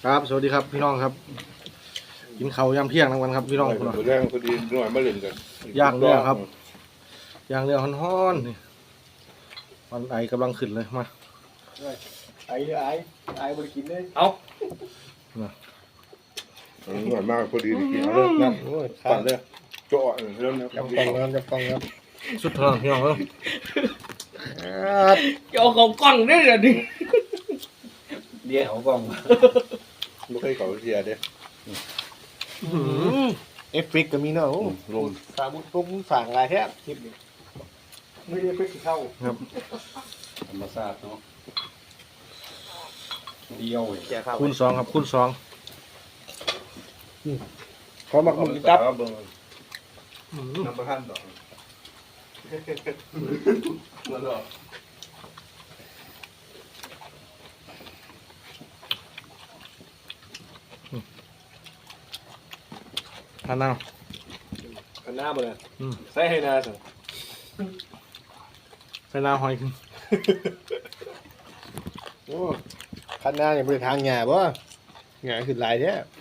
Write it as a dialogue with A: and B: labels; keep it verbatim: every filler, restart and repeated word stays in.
A: ครับสวัสดีครับพี่น้องครับกินข้าวยำเที่ยงทั้งวันครับพี่น้องคุณ
B: แรงพอดีหน่อยมาเล่นกัน
A: ย่างเนื้อครับย่างเนื้อฮ้อนๆนี่มันไอกำลังขึ้นเลยมา
C: ไอ้ไอ้ไอ้บริกินเลย
D: เอา
B: หน่อยมากพอดีกินเอาเลยนะ
C: โอ้ย
B: ปั่นเลยเจาะเริ่มนะ
C: จับกล่องครับจับกล่องครับ
A: สุดท้ายพี่น้องเอ้ย
D: จะเอาของกล้องได้เหรอดิ
C: เดี๋ยวเอากล่อง
B: ไม่เคยเขาเสียเด้
C: เอฟเฟกต์ก็มีเนาะ
B: ลม
C: สามุปุ๊บสั่งอะไรแท้คลิปนี้ไม่ได้เอฟเฟกต์เข้า
A: ครับ
D: ธรรมชาติเนาะเดียวเว้ย
C: แกเข้า
A: คูณสองครับคูณสอง
C: ขอหมักหมึกจับ
B: น้ำประทันต่อมาต่อ
A: ทานน้
C: อันหน้าบ่เลย
A: ำอืม
C: ใส่ให้หน้าสิ
A: ใส่น้ำหอยขึ้น
C: โอ้คันหน้าเนี่ยบริทางหงาบ่หงาขึ้นหลายแท้